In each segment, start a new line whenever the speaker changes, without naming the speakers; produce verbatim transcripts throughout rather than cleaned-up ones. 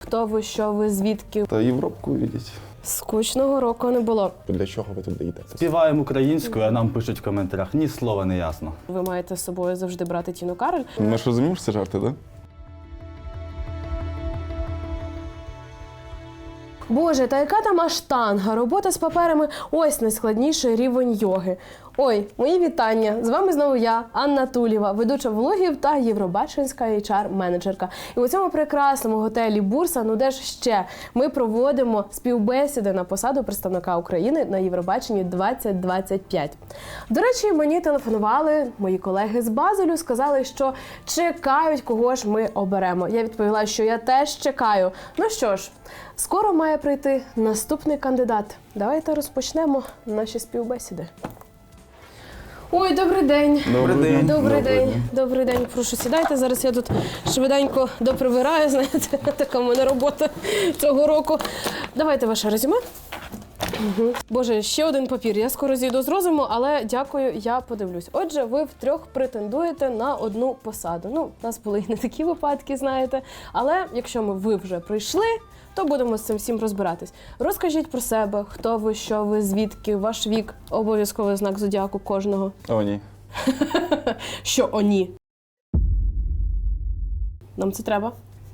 хто ви, що ви, звідки.
Та Європку видіть.
Скучного року не було.
Для чого ви тут даєте?
Співаємо українською, а нам пишуть в коментарях, ні слова не ясно.
Ви маєте з собою завжди брати Тіну Кароль.
Ми ж розуміємо, що це жарти, так? Да?
Боже, та яка там аштанга? Робота з паперами – ось найскладніший рівень йоги. Ой, мої вітання! З вами знову я, Анна Тулєва, ведуча влогів та євробаченська ейч ар-менеджерка. І у цьому прекрасному готелі «Бурса», ну де ж ще, ми проводимо співбесіди на посаду представника України на Євробаченні двадцять двадцять п'ять. До речі, мені телефонували мої колеги з Базелю, сказали, що чекають, кого ж ми оберемо. Я відповіла, що я теж чекаю. Ну що ж, скоро має прийти наступний кандидат. Давайте розпочнемо наші співбесіди. Ой, добрий день.
Добрий день.
Добрий день. Добрий день. Прошу, сідайте. Зараз я тут швиденько допривираю, знаєте, така в мене робота цього року. Давайте ваше резюме. Угу. Боже, ще один папір. Я скоро зійду з розуму, але дякую, я подивлюсь. Отже, ви втрьох претендуєте на одну посаду. Ну, у нас були і не такі випадки, знаєте. Але якщо ми ви вже прийшли, то будемо з цим всім розбиратись. Розкажіть про себе, хто ви, що ви, звідки, ваш вік, обов'язковий знак зодіаку кожного.
О, ні.
Що о, ні? Нам це треба?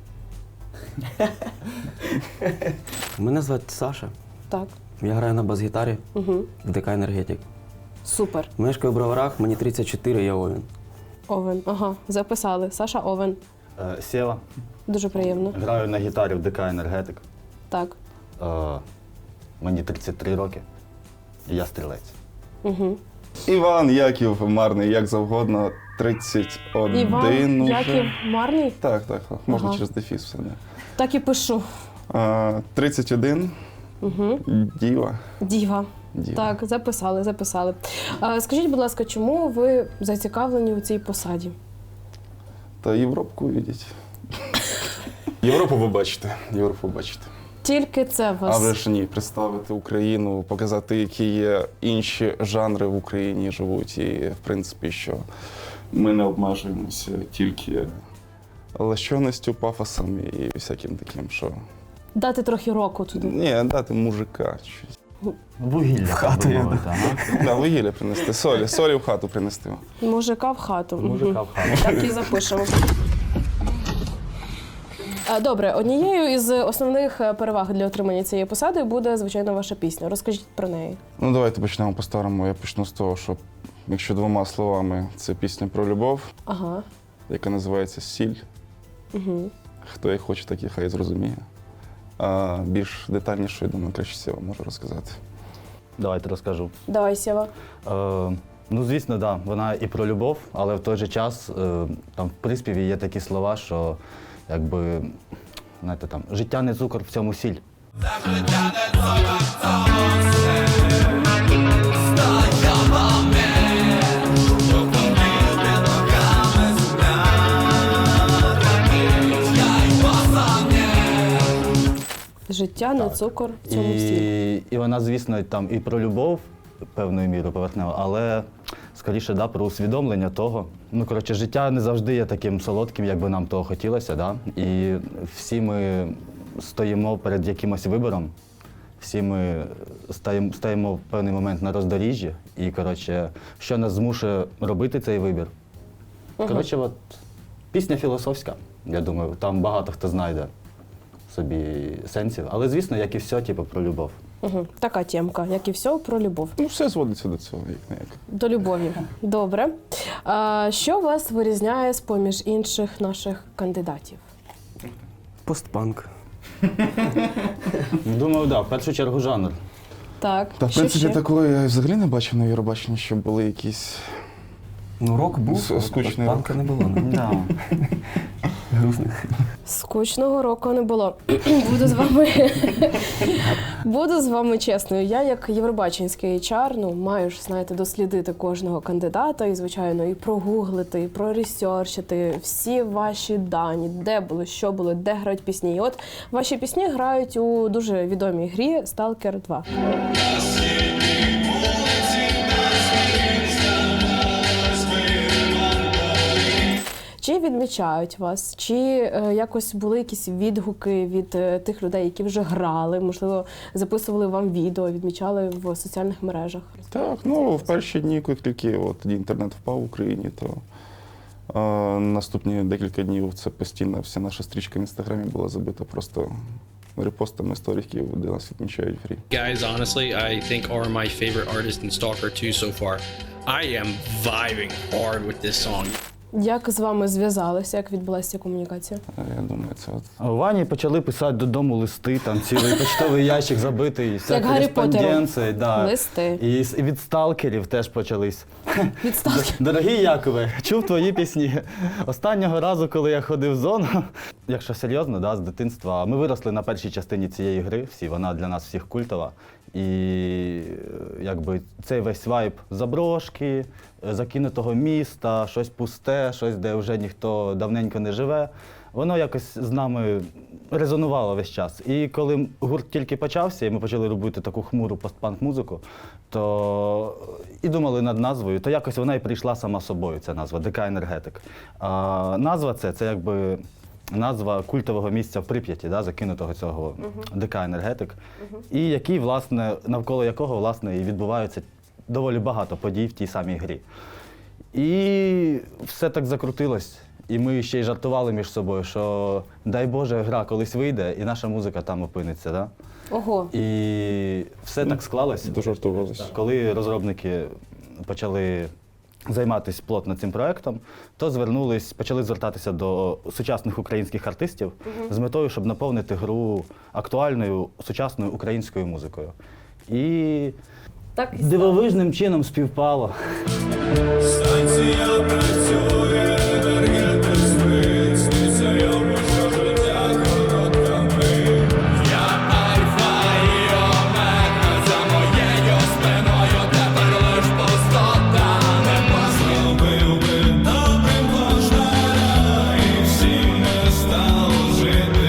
Мене звати Саша.
Так.
Я граю на бас-гітарі
Угу.
в ДК «Енергетик».
Супер.
Мешкаю в Броварах, мені тридцять чотири, я Овен.
Овен. Ага, записали. Саша Овен.
Е, Сєва,
Дуже приємно.
граю на гітарі в ДК «Енергетик».
Так.
Е, Мені тридцять три роки, і я стрілець.
Угу.
Іван Яків Марний, як завгодно, тридцять один
Іван
уже.
Яків Марний?
Так, так, можна
Ага.
через дефіс все. Да.
Так і пишу.
А, тридцять один,
Угу.
діва.
Діва.
Діва.
Так, записали, записали. А, скажіть, будь ласка, чому ви зацікавлені у цій посаді?
Та Європку видіть. Європу ви бачите, Європу бачите.
Тільки це вас.
А вже ж ні, представити Україну, показати, які є інші жанри в Україні живуть. І, в принципі, що ми не обмежуємося тільки лащоністю, пафосом і всяким таким, що...
Дати трохи року туди.
Ні, дати мужика щось.
Вугілля в
хату я
Да, вугілля принести, солі, солі в хату принести.
Мужика в хату.
Мужика в хату.
Так і запишемо. А, Добре, однією із основних переваг для отримання цієї посади буде, звичайно, ваша пісня. Розкажіть про неї.
Ну, давайте почнемо по-старому. Я почну з того, що, якщо двома словами, це пісня про любов,
Ага.
яка називається «Сіль».
Угу.
Хто їх хоче, так і хай зрозуміє. А більш детальніше, я думаю, краще Сєва може розказати.
Давайте розкажу.
Давай, Сєва.
Е, ну, звісно, да, вона і про любов, але в той же час е, там в приспіві є такі слова, що якби, знаєте, там, життя не цукор, в цьому сіль.
Життя не цукор в цьому всі.
І, і вона, звісно, там і про любов певною мірою поверхнева, але скоріше да, про усвідомлення того. Ну, коротше, життя не завжди є таким солодким, як би нам того хотілося. Да? І всі ми стоїмо перед якимось вибором, всі ми стаємо, стаємо в певний момент на роздоріжжі. І, коротше, що нас змушує робити цей вибір? Коротше, от, пісня філософська, я думаю, там багато хто знайде собі сенсів. Але, звісно, як і все, типу, про любов.
Угу. Така темка, як і все, про любов.
Ну, все зводиться до цього, як не як.
До любові. Добре. А, що вас вирізняє з-поміж інших наших кандидатів?
Постпанк.
Думаю, да, в першу чергу жанр.
Так,
Та, в
що
принципі,
ще?
такого я взагалі не бачив на Євробаченні, щоб були якісь...
Ну, рок був,
С- скучний
постпанка не було. ну.
Да.
Грустних.
Скучного року не було. Буду з вами буду з вами чесною. Я як євробаченський ейч ар, ну, маю ж, знаєте, дослідити кожного кандидата і, звичайно, і прогуглити, і проресерчити всі ваші дані, де було, що було, де грають пісні. І от ваші пісні грають у дуже відомій грі «Сталкер два». Чи відмічають вас? Чи е, якось були якісь відгуки від е, тих людей, які вже грали, можливо, записували вам відео, відмічали в соціальних мережах?
Так, ну в перші дні, коли тільки от, тоді інтернет впав в Україні, то е, наступні декілька днів це постійно вся наша стрічка в інстаграмі була забита просто репостами сторіків, де нас відмічають фрі.
Guys, honestly, I think are my favorite artist in Stalker two so far. I am vibing hard with this song.
Як з вами зв'язалися, як відбулася ця комунікація?
Е, Я думаю, це от.
А у Вані почали писати додому листи, там цілий почтовий ящик забитий, вся
Як Гаррі
кореспонденція. Да.
Листи.
І з- і від сталкерів теж почались.
Відставки.
Дорогий Якове, чув твої пісні. Останнього разу, коли я ходив в зону, якщо серйозно, да, з дитинства, ми виросли на першій частині цієї гри, всі, вона для нас всіх культова. І е, якби цей весь вайб заброшки, е, закинутого міста, щось пусте, щось, де вже ніхто давненько не живе, воно якось з нами резонувало весь час. І коли гурт тільки почався, і ми почали робити таку хмуру постпанк-музику, то і думали над назвою, то якось вона і прийшла сама собою, ця назва ДК Енергетик. А назва це, це якби назва культового місця в Прип'яті, да, закинутого цього ДК Енергетик, і який, власне, навколо якого власне, і відбуваються доволі багато подій в тій самій грі. І все так закрутилось. І ми ще й жартували між собою, що дай Боже, гра колись вийде, і наша музика там опиниться. Да?
Ого.
І все так склалось.
Дожартувалися.
Коли розробники почали займатися плотно цим проектом, то звернулись, почали звертатися до сучасних українських артистів з метою, щоб наповнити гру актуальною сучасною українською музикою. І
Так і
дивовижним чином співпало.
Станція працює, енергетик спить, сниться йому, що життя коротками. Я альфа і омега, за моєю спиною тепер лиш пустота. Не послабив би добрим кожна, і всім не стало жити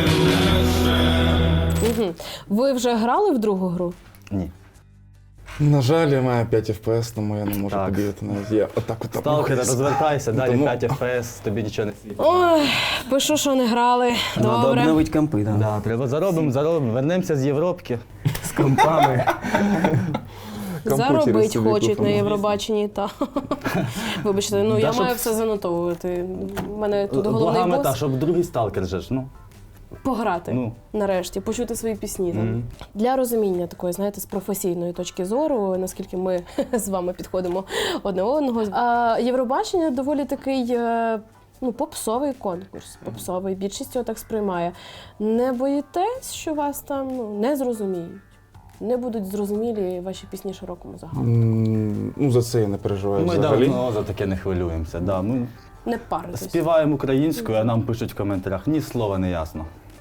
легше.
Угу. Ви вже грали в другу гру?
Ні.
На жаль, я маю п'ять еф пі ес, тому я не можу
Так.
побігати навіть. Я отак отак.
Сталкер, розвертайся, далі
Тому-
п'ять еф пі ес, тобі нічого не світить.
Ой, пишу, що не грали.
Треба
Добре.
обновити компи, да.
Да, треба заробимо, заробимо, вернемося з Європки.
З компами.
Комп'ютери
Заробить
собі
хочуть на
купимо.
Євробаченні, та. Вибачте, ну
Да,
я
щоб-
маю все занотовувати. У мене тут
Блага
головний
мета,
бос
щоб другий сталкер же ж, ну.
пограти
Ну.
нарешті, почути свої пісні. Там.
Мгм.
Для розуміння такої, знаєте, з професійної точки зору, наскільки ми з вами підходимо одне одного. А, Євробачення доволі такий е, ну, попсовий конкурс. Попсовий. Більшість його так сприймає. Не боїтесь, що вас там ну, не зрозуміють? Не будуть зрозумілі ваші пісні широкому загалу?
М, Ну, за це я не переживаю
Ми
взагалі.
давно за таке не хвилюємося. Да. Ми
Не паритесь.
співаємо українською, а нам пишуть в коментарях, ні слова не ясно.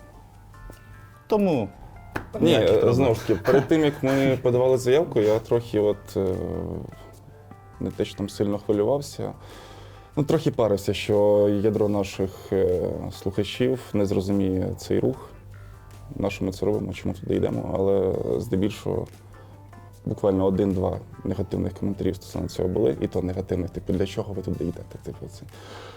Тому.
Ні,
ніяких
е,
проблем.
знову ж таки, перед тим, як ми подавали заявку, я трохи от е, не те, що там сильно хвилювався. Ну, трохи парився, що ядро наших е, слухачів не зрозуміє цей рух. На що ми це робимо, чому туди йдемо, але здебільшого буквально один-два негативних коментарів стосовно цього були, і то негативних, типу, для чого ви туди йдете? Типу, це.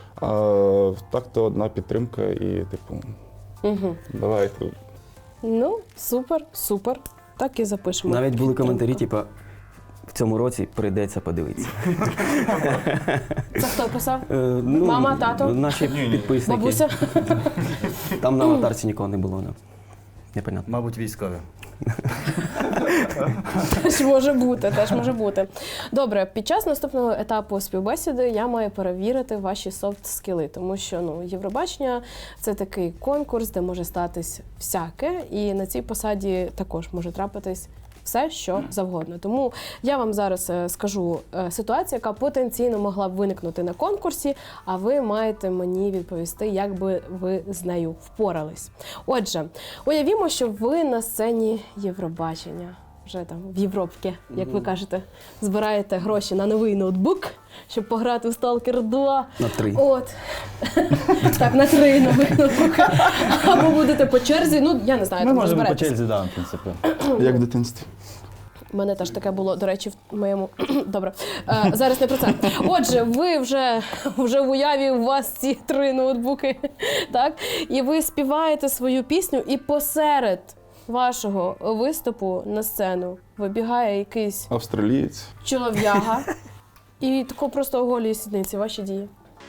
А так-то одна підтримка і, типу,
Угу.
давайте.
Ну, супер, супер. Так і запишемо.
Навіть були коментарі,
Підтримка.
типу, в цьому році прийдеться подивитися.
Це хто писав?
Е, ну,
Мама, тато?
Наші підписники.
Бабуся?
Там на аватарці нікого не було. Да. Непонятно.
Мабуть, військові.
Теж може бути, теж може бути. Добре, під час наступного етапу співбесіди я маю перевірити ваші софт-скіли, тому що ну, Євробачення – це такий конкурс, де може статись всяке, і на цій посаді також може трапитись все, що завгодно. Тому я вам зараз е, скажу е, ситуацію, яка потенційно могла б виникнути на конкурсі, а ви маєте мені відповісти, як би ви з нею впорались. Отже, уявімо, що ви на сцені Євробачення, вже там в Європці, як ви кажете, збираєте гроші на новий ноутбук, щоб пограти в Stalker два.
На три.
От. Так, на три нових ноутбуки. Або будете по черзі, ну, я не знаю,
Ми
там
можемо по
розберетесь.
черзі, да, в принципі.
Як в дитинстві.
У мене теж таке було, до речі, в моєму. Добре. Е, зараз не про це. Отже, ви вже, вже в уяві у вас ці три ноутбуки, так? І ви співаєте свою пісню, і посеред вашого виступу на сцену вибігає якийсь
Австралієць.
чолов'яга і тако просто оголює сідниці. Ваші дії.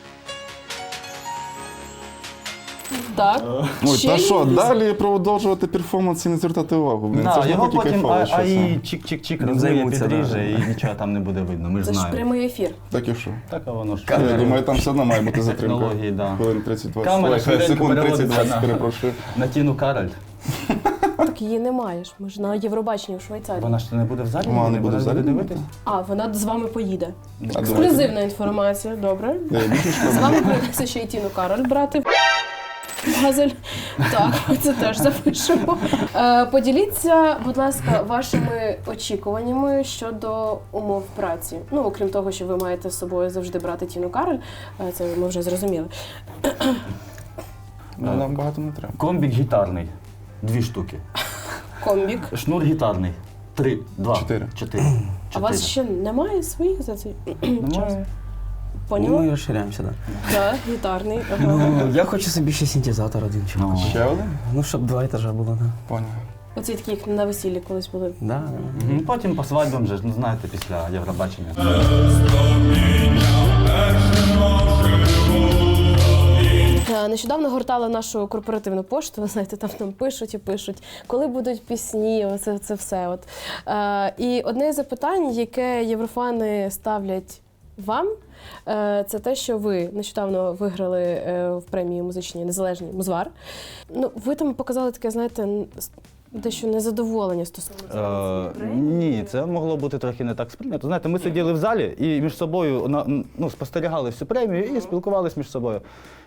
Так.
Ой,
Ще
та
є
що,
якісь?
далі продовжувати перформанс і не звертати увагу. Блін,
Да,
це ж
його
навпаки
потім
кайфово,
а,
що
а
це.
і чик-чик-чик
Не
розмиє,
займуться,
підріже,
да.
і нічого там не буде видно. Ми ж
Це ж
знаємо.
прямий ефір.
Так і що?
Так, а воно ж.
Я думаю, там все одно має бути затримка.
Технології, да.
Хвилин тридцять двадцять.
Камера
Ой,
швиденько
секунд
переводиться
тридцять двадцять,
на-
перепрошую.
На Тіну Кароль.
Так її немає ж. Ми ж на Євробаченні в Швейцарії.
Вона ж не буде в залі?
Вона не буде в залі
дивитись?
А, вона з вами поїде.
А
Ексклюзивна інформація, добре.
Я більше
З вами прийдеться ще й Тіну Кароль брати. Газель. Так, ми це теж запишемо. Е, поділіться, будь ласка, вашими очікуваннями щодо умов праці. Ну, окрім того, що ви маєте з собою завжди брати Тіну Кароль, е, це ми вже зрозуміли.
Ну, нам багато не треба.
Комбік гітарний. Дві штуки.
Комбік.
Шнур гітарний. Три. Два.
Чотири.
Чотири.
А у вас ще немає своїх за цей час?
Немає.
Ну, ми
Поняла?
розширяємося, так.
Так, гітарний. Ага.
Ну, я хочу собі ще синтезатор один чи
Ну.
Ще один?
Ну, щоб два етажа було, так.
Поняв.
Оці такі, як на весіллі колись були.
Да.
Мгм. Потім по свадьбам же, ж, ну знаєте, після Євробачення.
Е, Нещодавно гортала нашу корпоративну пошту, ви знаєте, там нам пишуть і пишуть, коли будуть пісні, оце це все. От. Е, і одне з запитань, яке єврофани ставлять вам, е, це те, що ви нещодавно виграли е, в премії музичній незалежній Музвар. Ну, ви там показали таке, знаєте, н- с- дещо незадоволення стосовно цього.
Е, ні, це могло бути трохи не так сприйнято. Знаєте, ми сиділи в залі і між собою на- ну, спостерігали всю премію і спілкувалися між собою.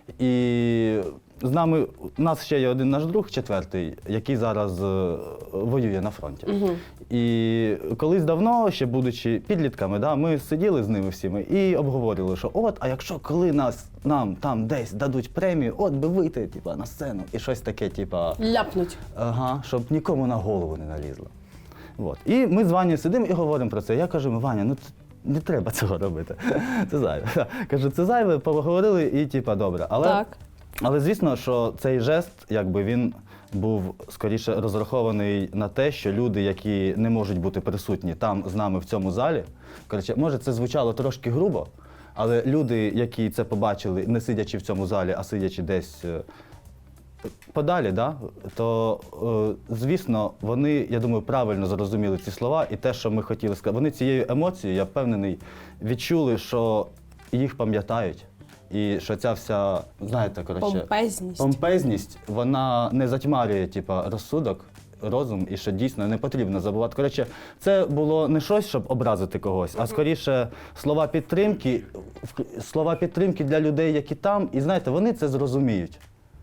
І з нами, у нас ще є один наш друг, четвертий, який зараз е, воює на фронті. І колись давно, ще будучи підлітками, да, ми сиділи з ними всіми і обговорювали, що от, а якщо коли нас, нам там десь дадуть премію, от би вийти типа, на сцену і щось таке, типа.
Ляпнуть.
Ага, щоб нікому на голову не налізло. От. І ми з Ванею сидимо і говоримо про це. Я кажу, Ваня, ну це не треба цього робити. Це зайве. Кажу, це зайве, поговорили і типа добре. Але,
Так.
але звісно, що цей жест, якби він був скоріше розрахований на те, що люди, які не можуть бути присутні там з нами в цьому залі, коротше, може це звучало трошки грубо, але люди, які це побачили, не сидячи в цьому залі, а сидячи десь е, подалі, да, то, е, звісно, вони, я думаю, правильно зрозуміли ці слова і те, що ми хотіли сказати. Вони цією емоцією, я впевнений, відчули, що їх пам'ятають. І що ця вся, знаєте, коротше,
Помпезність.
помпезність, вона не затьмарює, типа, розсудок, розум, і що дійсно не потрібно забувати. Коротше, це було не щось, щоб образити когось, а скоріше слова підтримки, в- слова підтримки для людей, які там, і знаєте, вони це зрозуміють.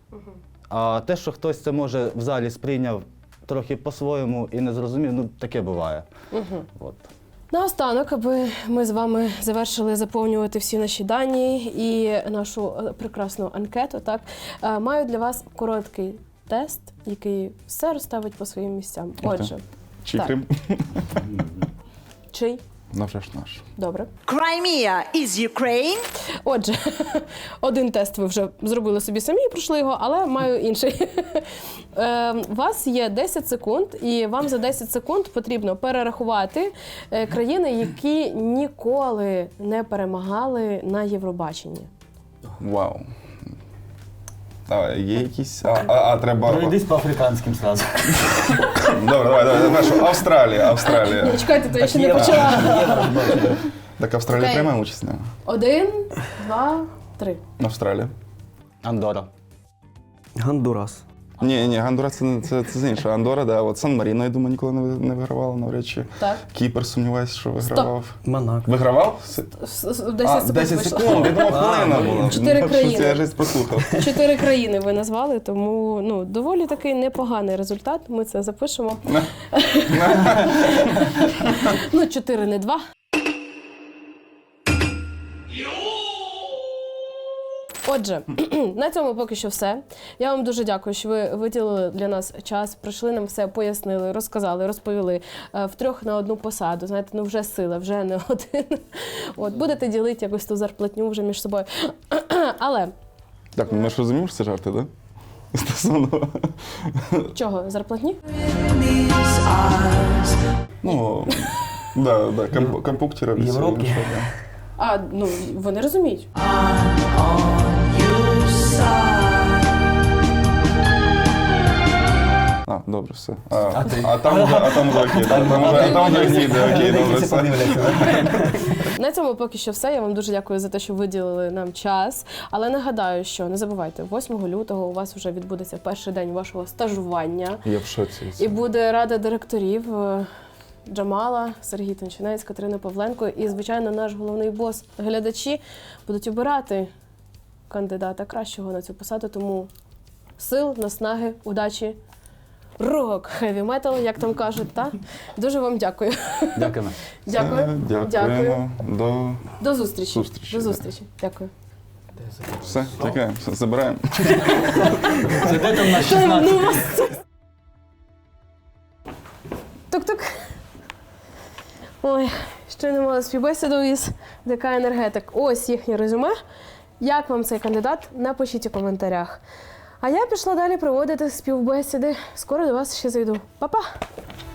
А те, що хтось це може в залі сприйняв трохи по-своєму і не зрозумів, ну таке буває. От.
Наостанок, аби ми з вами завершили заповнювати всі наші дані і нашу е, прекрасну анкету, так, е, маю для вас короткий тест, який все розставить по своїм місцям. Отже,
Чи
Так.
Крим?
чий?
Ну, вже ж наш.
Добре.
Crimea is Ukraine.
Отже, один тест ви вже зробили собі самі, пройшли його, але маю інший. Е, У вас є десять секунд, і вам за десять секунд потрібно перерахувати е, країни, які ніколи не перемагали на Євробаченні.
Вау. А, є якісь. А, а, а треба.
Пройдись по африканським сразу.
Добре, давай, давай. Перше. Австралія, Австралія.
Ні, чекайте, то я ще не
Є-
почала.
є розбачення.
Так Австралія
Окей.
приймає участь? Не?
Один, два, три.
Австралія.
Андора.
Гондурас.
Ні, ні, Гондурас це, не- це, це з іншого. Андора, да. От Сан-Маріно, я думаю, ніколи не, ви- не вигравала навряд чи.
Так.
Кіпр, сумніваюся, що вигравав.
Монако.
Вигравав? С-
С- с-
А,
десять секунд
десять
вийшло.
секунд, я думав, хвилина була.
Чотири
Ну,
країни.
Це я жесть прослухав.
Чотири країни ви назвали, тому ну, доволі такий непоганий результат. Ми це запишемо. Ну, чотири, не два. Отже, на цьому поки що все. Я вам дуже дякую, що ви виділили для нас час, прийшли нам все, пояснили, розказали, розповіли. Е, Втрьох на одну посаду. Знаєте, ну вже сила, вже не один. От, будете ділити якось ту зарплатню вже між собою. Але
Так, ну ми ж розуміємо, що це жарти, так? Да? Стосовно.
чого, зарплатні?
Ну, да, да, комп- компуктера. всі,
Європки.
що, да.
А, ну, вони розуміють.
А, добре, все. А, а, там вже, а там вже окей, да, там вже, а там вже зійде, окей, добре,
Всі
все.
подивляться, да?
На цьому поки що все. Я вам дуже дякую за те, що виділили нам час. Але нагадаю, що не забувайте, восьмого лютого у вас вже відбудеться перший день вашого стажування.
Я в шоці.
І буде рада директорів е, Джамала, Сергій Тончинець, Катерина Павленко і, звичайно, наш головний бос. Глядачі будуть обирати кандидата кращого на цю посаду, тому сил, наснаги, удачі, рок, хеві метал, як там кажуть, та? Дуже вам дякую.
Дякуємо.
Дякую.
Дякуємо.
Дякую.
До
До зустрічі.
Зустрічі,
До
да.
зустрічі. Дякую.
все, чекаємо, все, забираємо.
Це де там на шістнадцять?
Тук-тук. Ой, ще не мала співбесіду із ДК «Енергетик». Ось їхнє резюме. Як вам цей кандидат? Напишіть у коментарях. А я пішла далі проводити співбесіди. Скоро до вас ще зайду. Па-па!